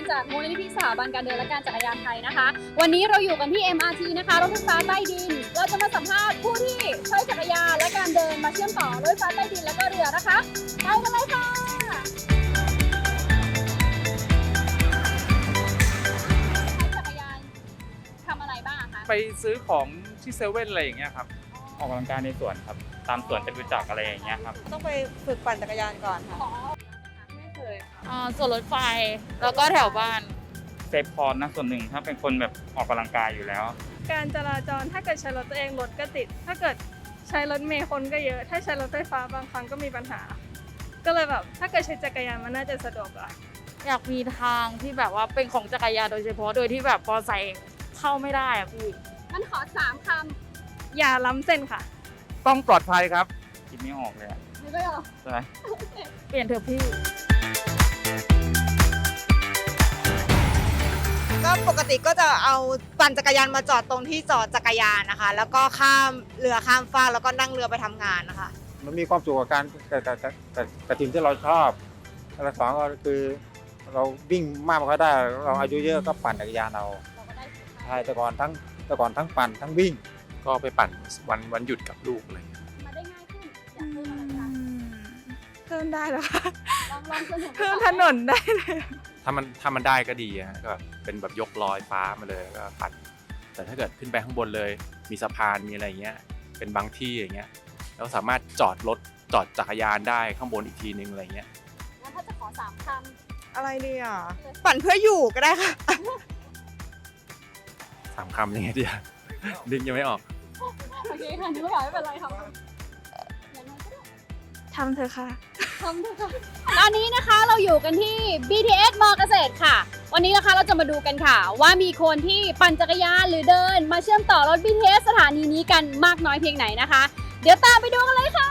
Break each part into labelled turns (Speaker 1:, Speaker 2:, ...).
Speaker 1: จากมูลนิธิสถาบันการเดินและการจักรยานไทยนะคะวันนี้เราอยู่กันที่ MRT นะคะรถไฟฟ้าใต้ดินเราจะมาสัมภาษณ์ผู้ที่ใช้จักรยานและการเดินมาเชื่อมต่อรถไฟฟ้าใต้ดินและก็เรือนะคะไปกันเลยค่ะใช้จักรยานทำอะไรบ้างคะ
Speaker 2: ไปซื้อของที่เซเว่นอะไรอย่างเงี้ยครับออกกำลังกายในสวนครับตามสวนจตุจักรอะไรอย่างเงี้ยครับ
Speaker 3: ต้องไปฝึกปั่นจักรยานก่อนค่ะ
Speaker 1: ไม่เคย
Speaker 4: ส่วนรถไฟแล้วก็แถวบ้าน
Speaker 2: เซฟคอร์สนะส่วนหนึ่งถ้าเป็นคนแบบออกกำลังกายอยู่แล้ว
Speaker 5: การจราจรถ้าเกิดใช้รถตัวเองรถก็ติดถ้าเกิดใช้รถเมล์คนก็เยอะถ้าใช้รถไฟฟ้าบางครั้งก็มีปัญหาก็เลยแบบถ้าเกิดใช้จักรยานมันน่าจะสะดวกกว่า
Speaker 4: อยากมีทางที่แบบว่าเป็นของจักรยานโดยเฉพาะโดยที่แบบพอใส่เข้าไม่ได้อะพี่
Speaker 1: งั้นขอ3 คำ
Speaker 5: อย่าล้ำเส้นค่ะ
Speaker 2: ต้องปลอดภัยครับคิดไม่ออกเลย
Speaker 1: ไม่ออก
Speaker 2: ใช่ไหม
Speaker 4: เปลี่ยนเถอะพี่
Speaker 3: ก็ปกติก็จะเอาปั่นจักรยานมาจอดตรงที่จอดจักรยานนะคะแล้วก็ข้ามเรือข้ามฟากแล้วก็นั่งเรือไปทำงานนะคะ
Speaker 6: มันมีความสุขกับการกับทีมที่เราชอบและสองก็คือเราวิ่งมากกว่าได้เราอายุเยอะก็ปั่นจักรยานเราใช่แต่ก่อนทั้งปั่นทั้งวิ่ง
Speaker 7: ก็ไปปั่นวันหยุดกับลูกอะไรอย่างเงี้ย
Speaker 1: มาได้ง่ายขึ้นอยากเพิ่มอะไรคะ
Speaker 5: เพิ่มได้เหรอคะ
Speaker 1: ลอง
Speaker 5: เพิ่มถนนได้เลย
Speaker 7: ถ้ามันได้ก็ดีฮะก็เป็นแบบยกลอยฟ้ามาเลยแล้วก็ปั่นแต่ถ้าเกิดขึ้นไปข้างบนเลยมีสะพานมีอะไรเงี้ยเป็นบางที่อย่างเงี้ยเราสามารถจอดจักรยานได้ข้างบนอีกทีนึงอะไรเงี้ย
Speaker 1: งั้นถ้าจะขอ3 คำ
Speaker 3: อะไรดีอ่ะปั่นเพื่ออยู่ก็ได้ค่ะ
Speaker 7: 3 คำยังไงดีดึงยังไม่ออก
Speaker 1: โอเคค่ะนึกว่าไม่เป็นไรค่ะ
Speaker 5: ทำเถอะค่ะ
Speaker 1: ตอนนี้นะคะเราอยู่กันที่ BTS มอเกษตรค่ะวันนี้นะคะเราจะมาดูกันค่ะว่ามีคนที่ปั่นจักรยานหรือเดินมาเชื่อมต่อรถ BTS สถานีนี้กันมากน้อยเพียงไหนนะคะเดี๋ยวตามไปดูกันเลยค่ะ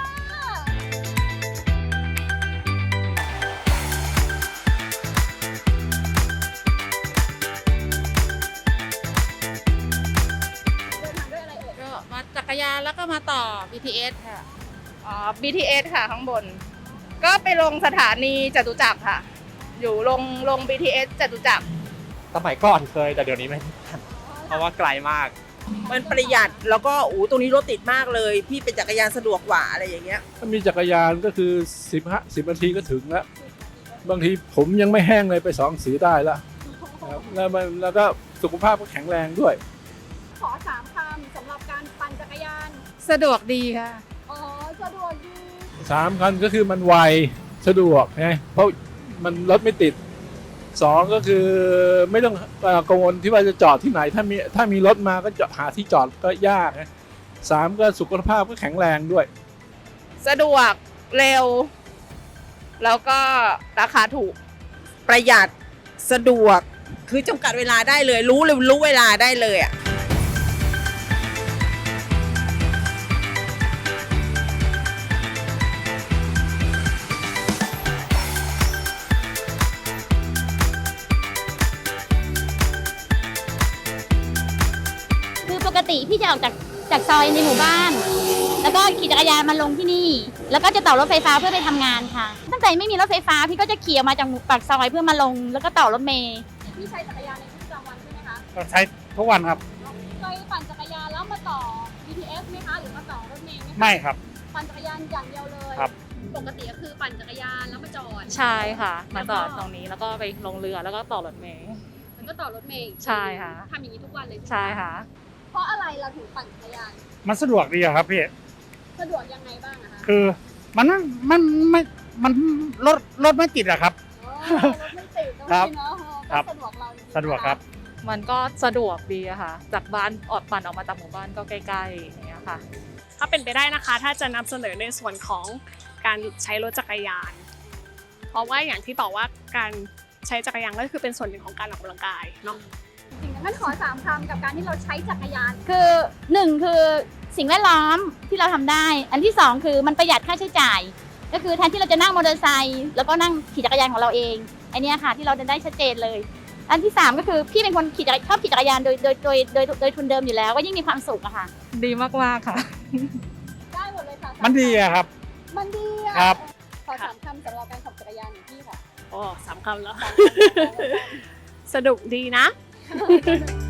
Speaker 1: เดินทางด้วยอะไรเอ่ย
Speaker 4: ก็มาจักรยานแล้วก็มาต่อ BTS ค่ะ
Speaker 8: BTS ค่ะข้างบนก็ไปลงสถานีจตุจักรค่ะอยู่ลง BTS จตุจักร
Speaker 9: สมัยก่อนเคยแต่เดี๋ยวนี้ไม่ทันเพราะว่าไกลมาก
Speaker 3: มันประหยัดแล้วก็ตรงนี้รถติดมากเลยพี่เป็นจักรยานสะดวกกว่าอะไรอย่างเงี้ย
Speaker 10: ถ้ามีจักรยานก็คือ10 นาทีก็ถึงแล้วบางทีผมยังไม่แห้งเลยไป2 สีได้แล้วแล้วก็สุขภาพก็แข็งแรงด้วย
Speaker 1: ขอ3 คำสำหรับการปั่นจักรยาน
Speaker 4: สะดวกดีค่ะ
Speaker 1: สะดวกดี
Speaker 10: 3 คันก็คือมันไวสะดวกไงเพราะมันรถไม่ติด2ก็คือไม่ต้องกังวลที่ว่าจะจอดที่ไหนถ้ามีรถมาก็จะหาที่จอดก็ยากนะ3ก็สุขภาพก็แข็งแรงด้วย
Speaker 8: สะดวกเร็วแล้วก็ราคาถูก
Speaker 3: ประหยัดสะดวกคือจำกัดเวลาได้เลยรู้เวลาได้เลยอ่ะ
Speaker 11: ปกติพี่จะออกจากซอยในหมู่บ้านแล้วก็ขี่จักรยานมาลงที่นี่แล้วก็จะต่อรถไฟฟ้าเพื่อไปทำงานค่ะตั้งแต่ไม่มีรถไฟฟ้าพี่ก็จะขี่ออกมาจากปากซอยเพื่อมาลงแล้วก็ต่อรถเมล์
Speaker 1: พี่ใช้จักรยานในชีวิตประจำวันใช่ไหมคะ
Speaker 2: ใช้ทุกวันครับ
Speaker 1: เคยปั่นจักรยานแล้วมาต่อ BTS ไหมคะหรือมาต่อรถเมล์ไหมคะ
Speaker 2: ไม่ครับ
Speaker 1: ปั่นจักรยานอย่างเดียวเลย
Speaker 2: ครับ
Speaker 1: ปกติก็คือปั่นจักรยานแล้วมาจอด
Speaker 4: ใช่ค่ะมาจอดตรงนี้แล้วก็ไปลงเรือแล้วก็ต่อรถเมล์
Speaker 1: แล้วก็ต่อรถเมล์
Speaker 4: ใช่ค่ะ
Speaker 1: ทำอย่างนี้ทุกวันเลย
Speaker 4: ใช่ค่ะ
Speaker 1: เพราะอะไรเราถึงปั่นจักรยาน
Speaker 2: มันสะดวกดีครับพี่
Speaker 1: สะดวกยังไงบ้างอะคะ
Speaker 2: คือมันรถไม่ติดอะครับ
Speaker 1: รถไม่ติดครับสะดวกเรา
Speaker 2: สะดวกครับ
Speaker 4: มันก็สะดวกดีอะค่ะจากบ้านปั่นออกมาจากหมู่บ้านก็ใกล้ๆอย่างเงี้ยค่ะ
Speaker 5: ถ้าเป็นไปได้นะคะถ้าจะนำเสนอในส่วนของการใช้รถจักรยานเพราะว่าอย่างที่บอกว่าการใช้จักรยานก็คือเป็นส่วนหนึ่งของการออกกำลังกายเนาะ
Speaker 1: จริงๆงั้นขอ3 คำกับการที่เราใช้จักรยาน
Speaker 11: คือ1คือสิ่งแวดล้อมที่เราทำได้อันที่2คือมันประหยัดค่าใช้จ่ายก็คือแทนที่เราจะนั่งมอเตอร์ไซค์แล้วก็นั่งขี่จักรยานของเราเองอันนี้ค่ะที่เราได้ชัดเจนเลยอันที่3ก็คือพี่เป็นคนชอบขี่จักรยานโดยทุนเดิมอยู่แล้วก็ยิ่งมีความสุขอะค่ะ
Speaker 4: ดีมากๆค่ะ
Speaker 1: ได้หมดเลยค่ะ
Speaker 2: มันดีอะครับ
Speaker 1: มันดีอะ
Speaker 2: ครับ
Speaker 1: ขอ3 คำสำหรับการขับจักรยานของพี่ค่ะ
Speaker 5: 3 คำแล้วสนุกดีนะ